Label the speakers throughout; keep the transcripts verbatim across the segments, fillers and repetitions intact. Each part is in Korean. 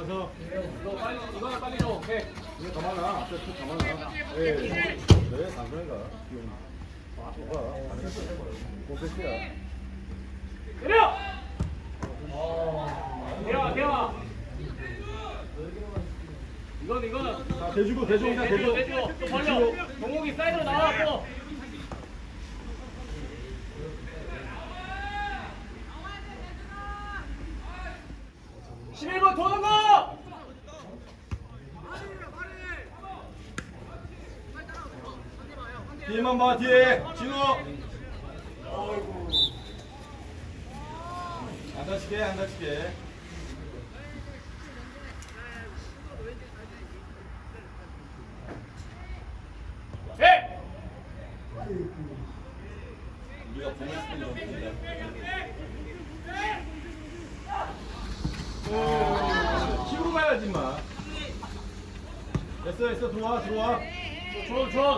Speaker 1: 들어가서.
Speaker 2: 이거 빨리, 이거는 빨리 줘. 오케이.
Speaker 1: 이거 더 많아. 앞에 더 많아. 예. 왜 당근이가? 봐봐. 고백이야.
Speaker 2: 때려! 대화, 대화. 이건, 이거는.
Speaker 1: 자, 대주고, 대주고, 그냥
Speaker 2: 대주고,
Speaker 1: 대주고.
Speaker 2: 대주고. 또 벌려. 동욱이 사이드로 나와, 또. 십일 번 도는 거!
Speaker 1: 뒤에만 봐, 뒤에. 진우. 안 다치게, 안 다치게.
Speaker 2: 해!
Speaker 1: 우리가 보면 싶은 정도입니다. 치고 가야지, 마. 됐어, 됐어. 들어와, 들어와.
Speaker 2: 줘, 줘.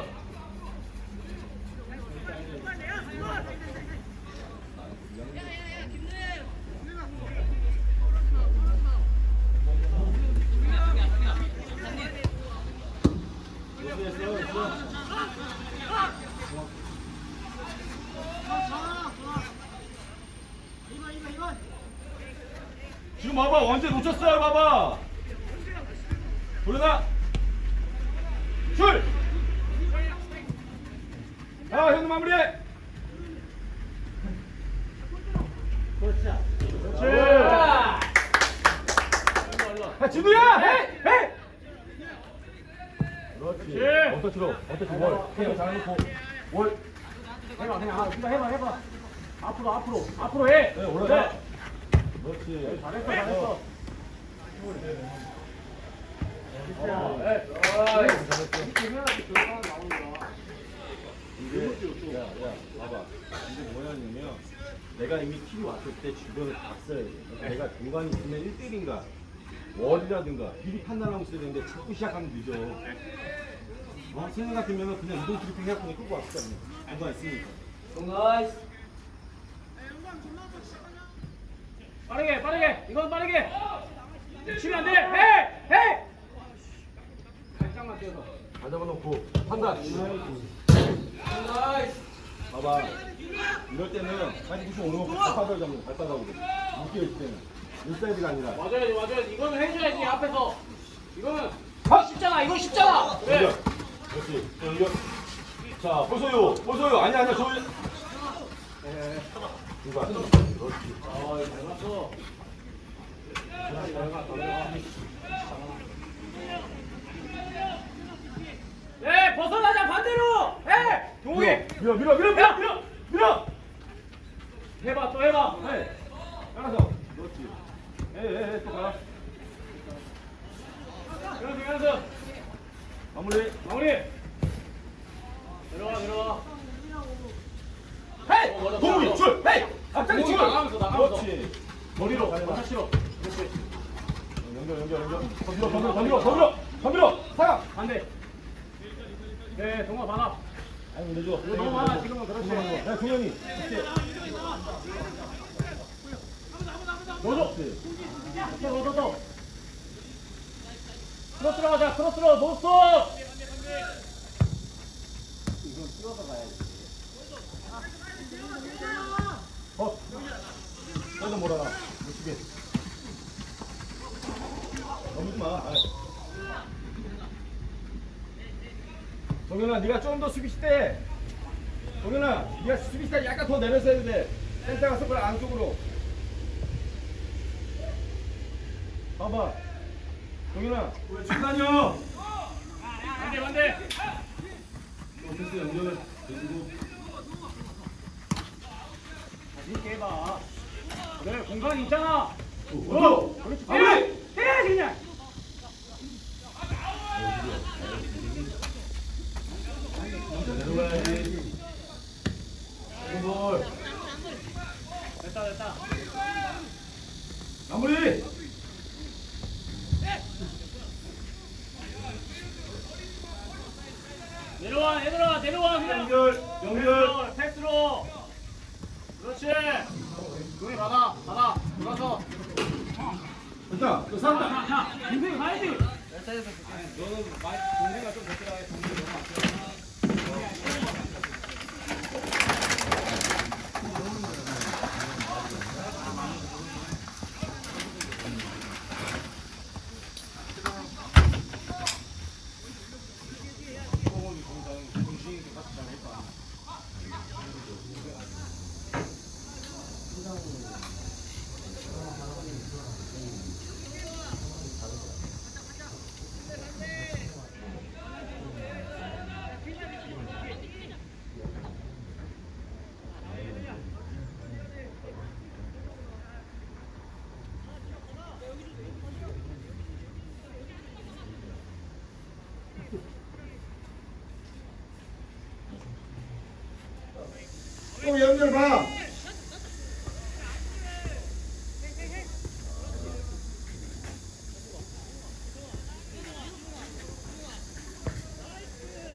Speaker 1: 됐어, 됐어, 됐어. 지금 봐봐, 언제 놓쳤어요, 봐봐. 돌려놔. 줄. 아, 형님 마무리해. 그렇지. 아, 진우야, 해, 해. 그렇지. 어떠치로, 어떠치 뭘? 그냥 잘해놓고 뭘?
Speaker 2: 해봐, 그냥 아, 해봐, 해봐, 해봐. 앞으로, 앞으로, 앞으로 해.
Speaker 1: 네, 올라가. 그렇지.
Speaker 2: 잘했어, 잘했어.
Speaker 1: 어,
Speaker 2: 네.
Speaker 1: 이게 야, 야, 봐봐. 이게 뭐냐면 내가 이미 킬이 왔을 때 주변을 봤어야 돼. 그러니까 내가 공간이 있으면 일 대 일인가 월이라든가 미리 판단하고 있어야 되는데 자꾸 시작하면 늦어. 어? 생각 같으면 그냥 이동 트리핑 해갖고 끌고 왔을 거 아니야. 공간 있으니까.
Speaker 2: 나이스. 빠르게, 빠르게. 이건 빠르게. 치면 안 돼. 해, 해. 살짝만 뛰어서.
Speaker 1: 다 잡아놓고 판단.
Speaker 2: 나이스.
Speaker 1: 봐봐. 이럴 때는 백구십오 번 발바닥을 잡는 거야, 발바닥으로. 묶여있을 때는. 인사이드가 아니라.
Speaker 2: 맞아야지, 맞아야지. 이거는 해줘야지, 앞에서. 이거는
Speaker 1: 하!
Speaker 2: 쉽잖아, 이건 쉽잖아. 그래.
Speaker 1: 연결. 그렇지. 자, 연결. 자, 보소요. 보소요. 아니야, 아니야. 저. 이거 안 돼. 그렇지.
Speaker 2: 아, 이거 잘 갔어. 잘 가, 잘 가. 네, 벗어나자, 반대로. 해. 동욱이.
Speaker 1: 밀어, 밀어, 밀어, 밀어, 밀어, 밀어.
Speaker 2: 해봐, 또 해봐.
Speaker 1: 네. 알아서. 그렇지. 에, 에, 에, 또 가.
Speaker 2: 연습, 연습.
Speaker 1: 마무리.
Speaker 2: 마무리. 내려와, 내려와.
Speaker 1: 헤이!
Speaker 2: 어, 맞아,
Speaker 1: 동욱이
Speaker 2: 맞아.
Speaker 1: 줄! 헤이! 앞장에
Speaker 2: 동욱이
Speaker 1: 줄!
Speaker 2: 나가면서, 나가면서.
Speaker 1: 그렇지.
Speaker 2: 머리로,
Speaker 1: 가려봐.
Speaker 2: 맞아, 싫어. 그렇지.
Speaker 1: 연결, 연결, 연결. 더 밀어, 더 밀어, 더 밀어, 더 밀어, 더 밀어. 사람.
Speaker 2: 안 돼. 네, 동아 받아.
Speaker 1: 아니, 내줘.
Speaker 2: 이거 너무 많아, 지금은. 그렇지.
Speaker 1: 야, 동현이. 그렇지.
Speaker 2: 넣어줘. 또, 또, 또, 또. 크로스 들어가자, 크로스로, 노스톱! 이건 뛰어서 가야지.
Speaker 1: 어. 너도 몰아라. 못 치게. 넘지 마. 아이. 동현아, 네가 좀 더 수비 시대. 동현아, 네가 수비 시대 약간 더 내려서 해야 돼. 센터가 서클 안쪽으로. 봐봐. 동현아, 왜 중단이요?
Speaker 2: 반대, 반대.
Speaker 1: 패스 연결 해주고.
Speaker 2: 이렇게 해봐. 그래, 공간이 있잖아.
Speaker 1: 어,
Speaker 2: 그렇지.
Speaker 1: 마무리!
Speaker 2: 해야지, 그냥.
Speaker 1: 내려가야지. 볼.
Speaker 2: 됐다, 됐다.
Speaker 1: 마무리.
Speaker 2: 내려와, 얘들아, 내려와, 그냥.
Speaker 1: 연결, 연결.
Speaker 2: 패스로. 그렇지. 동이 받아, 받아. 들어가서.
Speaker 1: 됐다. 너 살았다.
Speaker 2: 자, 자. 동생이 가야지.
Speaker 3: 너는 많이 동생가 좀 됐더라. 동생이 너무 안 좋아.
Speaker 4: 또 연결 봐.